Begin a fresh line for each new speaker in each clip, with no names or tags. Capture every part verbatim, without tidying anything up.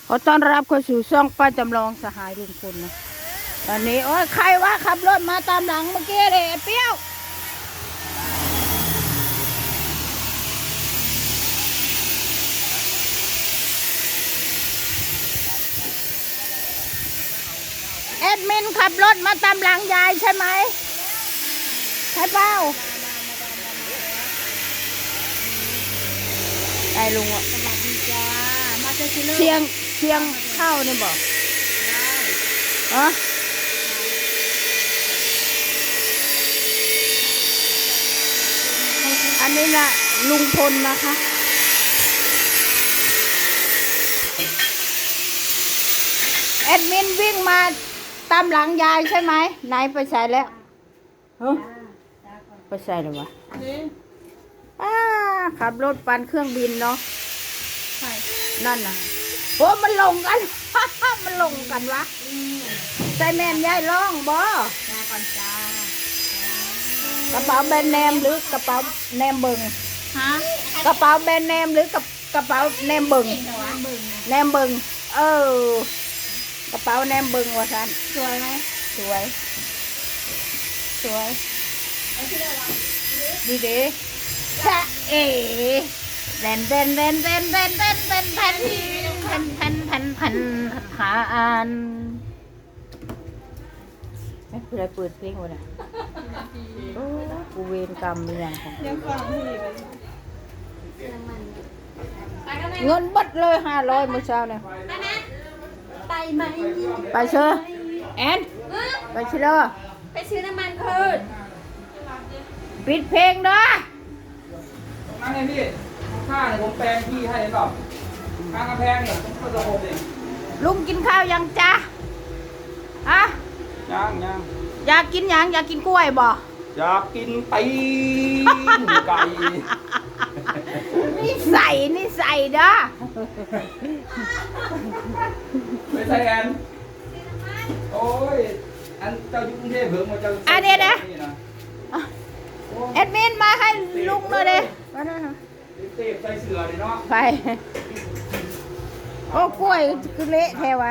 ขอต้อนรับเข้าสู่ช่องป้าจำลองสหายลุงพลนะตอนนี้โอ้ยใครวะขับรถมาตามหลังเมื่อกี้เลยไอ้เปรี้ยวแอดมินขับรถมาตามหลังยายใช่ไหมใช่เปล่าไอ้ลุงอ่ะสวัสดีจ้ามาเจอเชียงเชียงเข้าเนี่ยบอกอ๋ออันนี้นะลุงพลนะคะแอดมินวิ่งมาตามหลังยายใช่ไหมไหนไปใส่แล้วเฮ้ยไปใส่เลยวะอ้าขับรถปั่นเครื่องบินเนาะนั่นน่ะโอ้มันลงกัน มันลงกันวะใจแม่นยายร้องบ่จ้าก่อนจ้ากระเป๋าแบรนด์เนมหรือกระเป๋าแนมเบิงฮะกระเป๋าแบรนด์เนมหรือกระกระเป๋าแนมเบิงแนมเบิงเออกระเป๋าแนมเบิงวะท่านสวยไหมสวยสวยดีดีชะเอ๋แดนแดนแดนแดนแดนแดนแดนแผ่นแผ่นแผ่นแผ่นแผ่นขาอันไม่เป็นไรเปิดเพลงวะเนี่ยโอ้กูเวรกรรมมีอย่างของเงินบัดเลยห้าร้อยเมื่อเช้าเนี่ย
ไปไหม
ไปเชื่อแอนไปเชื่อ
ไปซื้อน้ำมันพืช
ปิดเพลงเด้อ
นั่นไงพี่ข้าเนี่ยผมแปลงพี่ให้เปล่าข้างกำแพงเนี่ยผมก็จะโฮมเอง
ลุงกินข้าวยังจ้าฮะ
ยังยัง
อยากกินยังอยากกินกล้วยบ่
อยากกินตีนไก่
นี่ใส่นี่ใส่เด้อ
ไม่ใช่แอนโอ้ยอันเจ้าอยู่กรุงเทพเพิ่งมาเจ้า
อันนี้นะแอดมินมาให้ลุงหน่อยเด้
เต็มใส่เสือเลยเนาะ
ไปโอ้กล้วยคือเละแท้วะ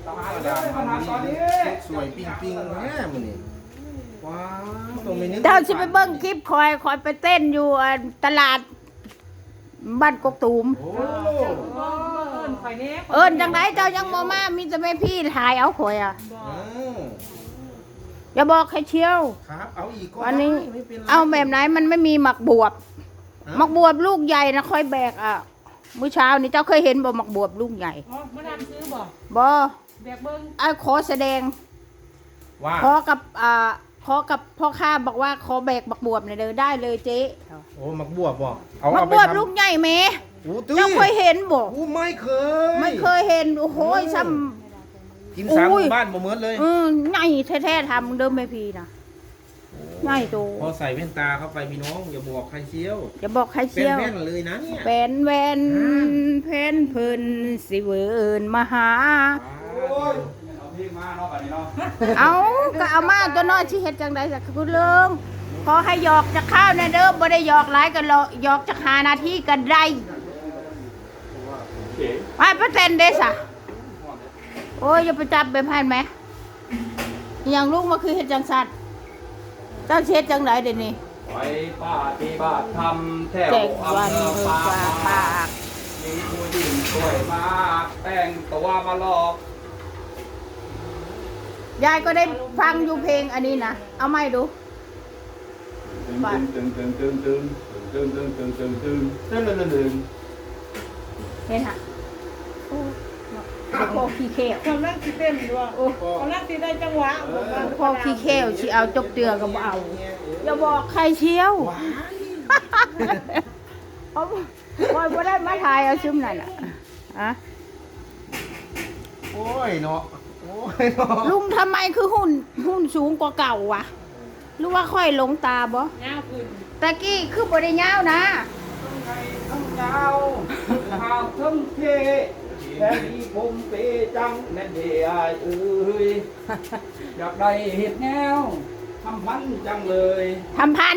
สวยปิ้งปิ้งแม่มันนี่ว้าวตรงนี้
เจ้าสิไปเบิ้งคลิปคอยคอยไปเต้นอยู่ตลาดบ้านกกตูมเอิญจังไรเจ้ายังมามามีแต่แม่พี่ถ่ายเอาข่อยอ่ะอย่าบอกใครเชียว
ครับเอาอีกก้อน
วันนี้เอาแบบไหนมันไม่มีหมักบวบหมักบวบลูกใหญ่นะค่อยแบกอ่ะมื้อเช้านี่เจ้าเคยเห็นบ่หมักบวบลูกใหญ่
อ๋อมาดามซื้อบ่
บ่
แบกเบิ้ง
ไอ้ขอแสดง
ว่า
ขอกับอ่าขอกับพ่อข้าบอกว่าขอแบกหมักบวบหน่อยเด้อได้เลยเจ๊
โอ้หมักบวบบ่
เอาหมักบวบลูกใหญ่ไหมเจ้าเคยเห็นบ่
อู้ไม่เคย
ไม่เคยเห็นโอ้โหซ้
ำกินสามบ้านบ่เหมือนเลย
อืมใหญ่แท้ๆทำเดิมไม่พีนะใหญ่โต
พอใส่แว่นตาเข้าไปพี่น้องอย่าบอกใครเชี่ยว
อย่าบอกใครเชี่ยว
เป็นแว่นเลยนะเนี่ย
เป็นแว่นเพนเพิ่นสิเวินมาหาเอาก็เอามาตัวน้อยที่เฮ็ดจังไดสักคุณลุงขอให้หยอกจากข้าวในเด้อบ่ได้หยอกหลายกันหยอกจากหานาทีกันได้ไปเปอร์เซ็นต์เด้ซะโอ้ยอย่าไปจับแบบนั้นไหมอย่างลูกมาคือเฮ็ดจังสัตว์เจ้าเช็ดจังไหนเดี๋ยวนี้
ไปปาฏิบัติธรรมแถวอำเภอปากปากมีผู้หญิงสวยมากแต่งตัวมาหลอก
ยายก็ได้ฟังอยู่เพลงอันนี้นะเอาไม่ดู
ตึงตึงตึงตึงตึงตึงตึงตึงตึงตึงตึงตึงตึงตึง
เห็นฮะพอขี้เขี้ยว
กำลังสิเต้นด้วยโอ้กำลังสิได้จังหวะ
พอขี้เขี้ยวสิเอาจบเตือกับเอาอย่าบอกใครเชียวเพราะว่าไม่ได้มาถ่ายเอาซุ้มนั่นอ่ะอะ
โอ้ยเนาะโอ้ยเนาะ
ลุงทำไมคือหุ่นหุ่นสูงกว่าเก่าวะหรือว่าค่อยหลงตาบ่
ยาวขึ้น
ตะกี้คือบ่ได้ยาวนะ
ต้องไงต้องยาวหาวทั้งเทแค่นี้ผมเปจังแน่เดียเอ้ยอยากได้เห็ดแนวทำพันจังเลย
ทำพัน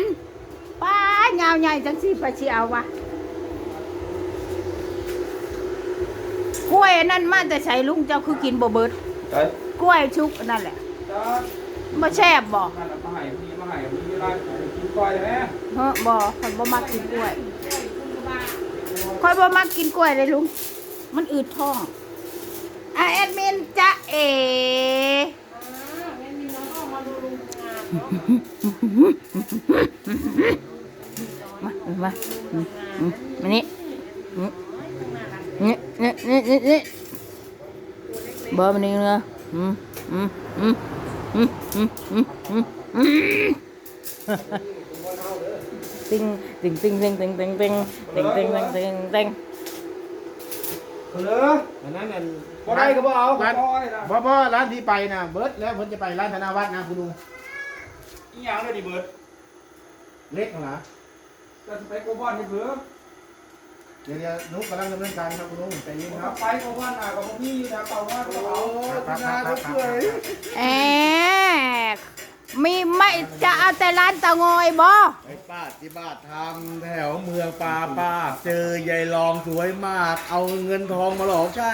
ป้ายาวใหญ่จังสิไปสิเอาวะกล้วยอันนั่นมาแต่ใช้ลุงเจ้าคือกินบ่เบิด
เอ้ย
กล้วยชุกอันนั่นแหละ
จ้า
บ่แซ่บบ่
นั่นน่ะมาให้พี่มาให้พี่ร้านกินก้อยไหม
เฮ้อบ่ข่อยบ่มักกินกล้วยข่อยบ่มักกินกล้วยเลยลุงมันอืดท้องอ่ะแอดมินจ๊ะเอมามาอืมอืมมานี่อืมนี่นี่นี่นี่นี่เบอร์มันนี่เนอะอืมอืมอืมอืมอืมอืมอืมอืมติงติงติงติงติงติงติงติงติงติงติงติง
เหรอ
อันนั้นอัน
บ่ได้ก็บ่เอา
ร้าน
บ่ได้นะ
บ่บ่ร้านที่ไปนะเบิร์ดแล้วเพิ่นจะไปร้านธนาวัฒน์นะคุณลุง
อีหยังเลยดิเบิด
เล็กเหรอ
จะไปโกบอนนี่เบิด
เดี๋ยวเดี๋ยวนุ๊กกำลังดำเนินการครับคุณลุงใจเย็นครับ
ไปโกบอนอ่ะกับพี่นะเป่าว่าก็เอา
ครับครับครับครับ
แอบมีไม่จะเอาแต่ร้านเตางอยบ่
ไปป้าที่บ้านทำแถวเมืองปาป้าเจอยายรองสวยมาก เอาเงินทองมาหลอกใช้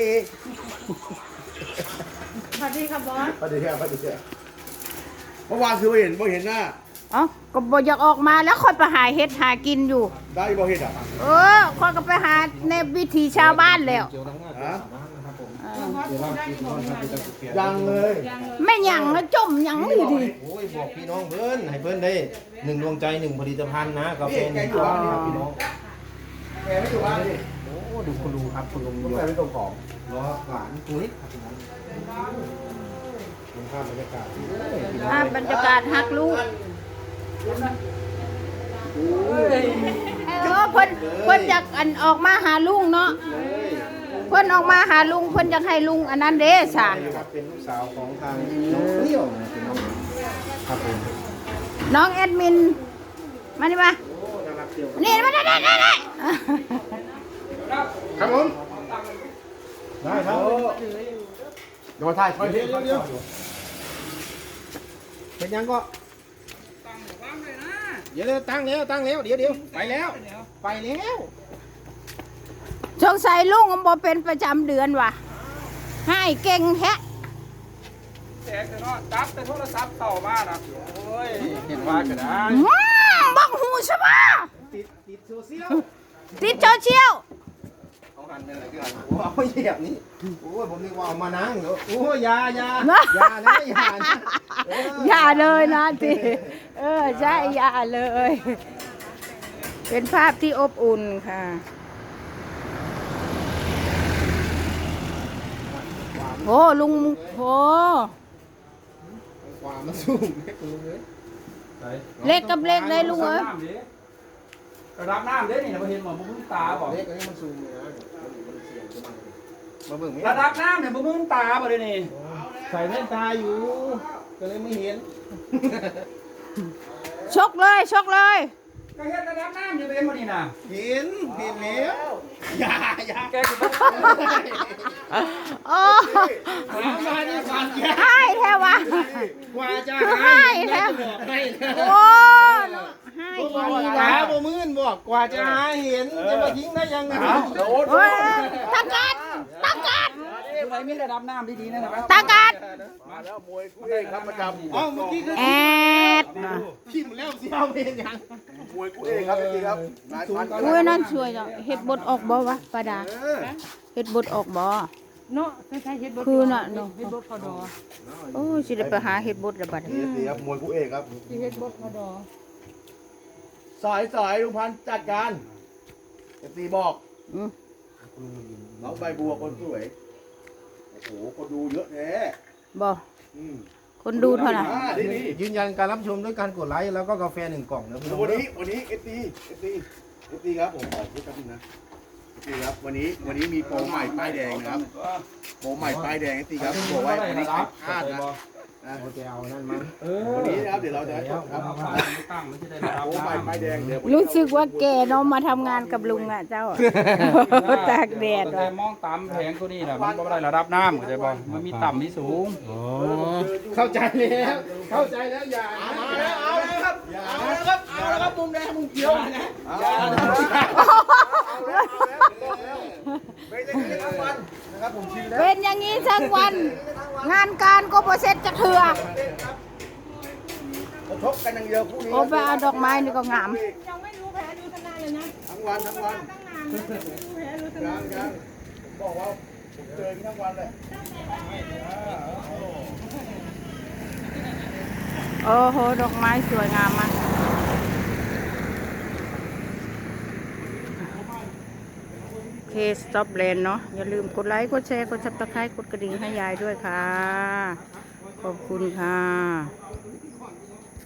สวัสดีครับบอส
ไปเดี๋ยวไปเดี๋ยว
เมื่อวานคือไม่เห็นไม่เห็นหน้า
เอ้าก็บ่อยากออกมาแล้วค่อยไปหาเฮ็ดหากินอยู่
ได้บ่เห็นอ่ะ
เออค่อยก็ไปหาในวิถีชาวบ้านแล้ว
ฮะ
เออ
ยังเลย
แม่หยังนะจมหยังอยู่ดิ
โอ้ยบอกพี่น้องเบิ้นให้เบิ้นได้หนึ่งดวงใจหนึ่งผลิตภัณฑ์นะกาแฟหนึ่งตัวนะครับพี่น้อง
แกไม่อยู่บ้านดิ
โอ้ดูคุณลุงครับคุณลุง
ต้อง
ย
ไป
ก
เป็นตัวของ
ล้อหวานตุ้ยครับพี่น้องคุณภาพบรรยากาศดีเลยพี่น้อง
ภาพบรรยากาศฮักลูกเออเพิ่นเพิ่นอยากอันออกมาหาลุงเนาะเพิ่นออกมาหาลุงเพิ่นอยากให้ลุงอันนั้นเด้ซะ
ครับเป็นลูกสาวของทางน้องเปรี้ยวนะพี่น้องครับผม
น้องแอดมินมานี่มา
โอ้น่ารักเปรี้ยว
นี่มาได้ได้ได้ได้
ครับผมได้ครับเดี๋ยวมาถ่ายคอยเดี๋ยวเดี๋ยวเป็นยังก็เดี๋ยวเดี๋ยวตั้งแล้วตั้งแล้วเดี๋ยวเดี๋ยวไปแล้วไปแล้ว
สงสัยลุงมันบ่เป็นประจำเดือนว่ะให้เก่งแท้
แจกแต่เนาะจับแต่โทรศัพท์ต่อมานะโอ้ยเห็นว่าก็ได้
อืมบังหูใช่ปะ
ติดติดโซเชียล
ติดโซเชียล
เขาหันเป็นอะไรกันโอ้เอาเหยียบนี่โอ้ยผมนึกว่าเอามานั่งเนาะโอ้ยอยาอยาอยานะอยานะเออ
อย่าเลยนะทีเออใช่อย่าเลย เป็นภาพที่อบอุ่นค่ะ โอ้ลุงโอ้
ความมาสูงให้คุณลุงเลย
เล็กกับเล็กเลยลุงเอ้ย
ระดับน้ำเด้นี่นะบ่เห็นหมอบ่มึงตาบ่
เล็กอันนี้มันสูงเลยนะมันเสียงจะมามาเบิ่งไหม
ระดับน้ำเนี่ยบ่มึงตาบ่เด้นี่
ใส่แว่นตาอยู่ ก็เลยไม่เห็น
ชกเลยชกเลย
ก็เฮ็ดระดับน้ำอยู่เป็นบ่นี่น่ะ
เห็นเห็นแล้วอย่าอย่า
แกสิบ่
โอ้
มาดิฟันแก
ให้แท้วะ
กว่าจะ
คือ
ให้
ให้แท้
ให้แล้ว
โอ้ให้
บ่
ดี
มี
ละ
ตาบ่มื่นบอกกว่าจะหาเห็นจะมาทิ้งได้ยังไง
โดด
โอ้ยตะกัดตะกัด
อยู่ไหนมีระดับน้ำดีๆนั่นนะครับ
ตะกัด
มาแล้วมวยคู่เอกครับประจำ
เอ้าเมื่อกี้คือ
แอด
พิมพ์แล้วสิเอาเป็นยัง
มวยคู่เอกครับจริงๆครับนายพัน
อุ้ยนั่นสวยจังเฮ็ดบทออกบ่วะป้าดาเฮ็ดบทออกบ่
เนาะใช่ๆเฮ็ดบด
คือน่ะเนาะ
เฮ็ดบดพอดอ
โอ้ยสิได้ไปหาเฮ็ดบทละบัดนี้
นี่ครับมวยคู่เอกครับ
สิเฮ็ดบดพอดอ
สายสายลุงพันธุ์จัดการเอฟซีบอก
อืม
น้องใบบัวคนสวยโอ้โหคนดูเยอะแท้
บ่
อืม
คนดูเท่าไหร่
อ่านี่นี่
ยืนยันการรับชมด้วยการกดไลค์แล้วก็กาแฟหนึ่งกล่องนะพี่น้อง
วันนี้วันนี้เอฟซีเอฟซีเอฟซีครับผมขอพูดแป๊บนึงนะเอฟซีครับวันนี้วันนี้มีโปรใหม่ป้ายแดงนะครับโปรใหม่ป้ายแดงเอฟซีครับบอกไว้วันนี้ใครพลาดนะนะ
โอเคเอานั่นมา
เออ
วันนี้นะครับเดี๋ยวเราจะครับ
เอาผ่านไม่ตั้งไม่ใช่ได้ระดับ
โปรใหม่
น้ำ
ป้ายแดงเดี๋ยว
รู้สึกว่าแกเนาะมาทำงานกับลุงอ่ะเจ้า ตากแดด
แต่
ว่ะ
มองตามแผงตัวนี้น่ะมันบ่ได้ระดับน้ำเข้าใจบ่มันมีต่ำมีสูง
เข้าใจแล้วเข้าใจแล้วอย่ามาแล้วเอาแล้วครับเอาแล้วครับเอาแล้วครับมุมแดงมุมเขียวนะอย่า
ไม่ได้กินทั้งวันนะครับผมชิมแล้ว
เป็นอย่างนี้ทั้งวัน งานการก็บ่เสร็จจะเถื่อ
กระทบกันอย่างเดียวคู่นี้
โอ้ไปเอาดอกไม้นี่ก็งาม
ยังไม่รู้แผลดูทนายเลยนะ
ทั้งวันทั้งวัน
ตั้งนานแล้วไม่รู้แผลดูท
ยั
นาย
งยังผมบอกว่าผมเจอทั้งวันเลย
โอ้โห ดอกไม้สวยงามมากโอเคสต็อปแลนด์เนาะอย่าลืมกดไลค์กดแชร์กดซับสไครต์กดกระดิ่งให้ยายด้วยค่ะ ขอบคุณค่ะ